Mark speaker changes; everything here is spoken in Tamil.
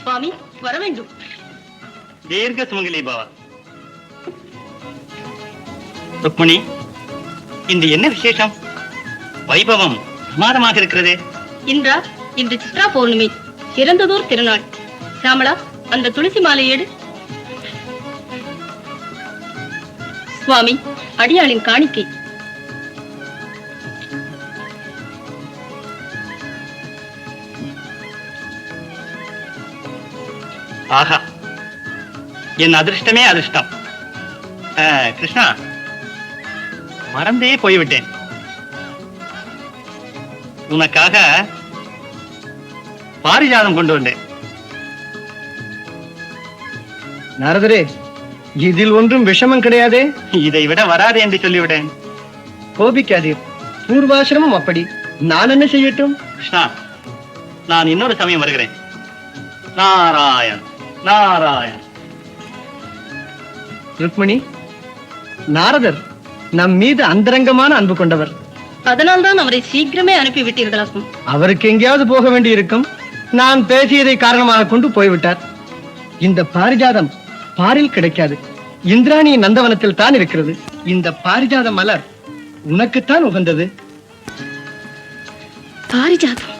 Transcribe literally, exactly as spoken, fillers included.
Speaker 1: சுவாமி வர வேண்டும்.
Speaker 2: தீர்க்க சுமங்கலி பாவா. ருக்மணி, இந்த என்ன விசேஷம்? வைபவம் பிரமாதமாக இருக்கிறது.
Speaker 1: இன்றா இன்று சித்ரா பௌர்ணமி, சிறந்ததோர் திருநாள். சாமளா, அந்த துளசி மாலை எடு. சுவாமி, அடியாளின் காணிக்கை.
Speaker 2: ஆஹா, என் அதிர்ஷ்டமே அதிர்ஷ்டம். கிருஷ்ணா, மறந்தே போய்விட்டேன். உனக்காக பாரிஜாதம் கொண்டு வந்தேன்.
Speaker 3: நாரதரே, இதில் ஒன்றும் விஷமம் கிடையாதே.
Speaker 2: இதை விட வராது என்று சொல்லிவிட்டேன்.
Speaker 3: கோபிக்காதீர், பூர்வாசிரமம் அப்படி. நான் என்ன செய்யட்டும்?
Speaker 2: கிருஷ்ணா, நான் இன்னொரு சமயம் வருகிறேன். நாராயண் நாராயண்.
Speaker 3: ருக்மணி, நாரதர் நம் மீது அந்தரங்கமான அன்பு கொண்டவர்.
Speaker 1: அதனால்தான் அவரை சீக்கிரமே அனுப்பிவிட்டீர்களாகும்.
Speaker 3: அவருக்கு எங்கேயாவது போக வேண்டி இருக்கும். நான் பேசியதை காரணமாக கொண்டு போய்விட்டார். இந்த பாரிஜாதம் பாரில் கிடைக்காது, இந்திராணி நந்தவனத்தில் தான் இருக்கிறது. இந்த பாரிஜாத மலர் உனக்குத்தான் உகந்தது.
Speaker 1: பாரிஜாதம்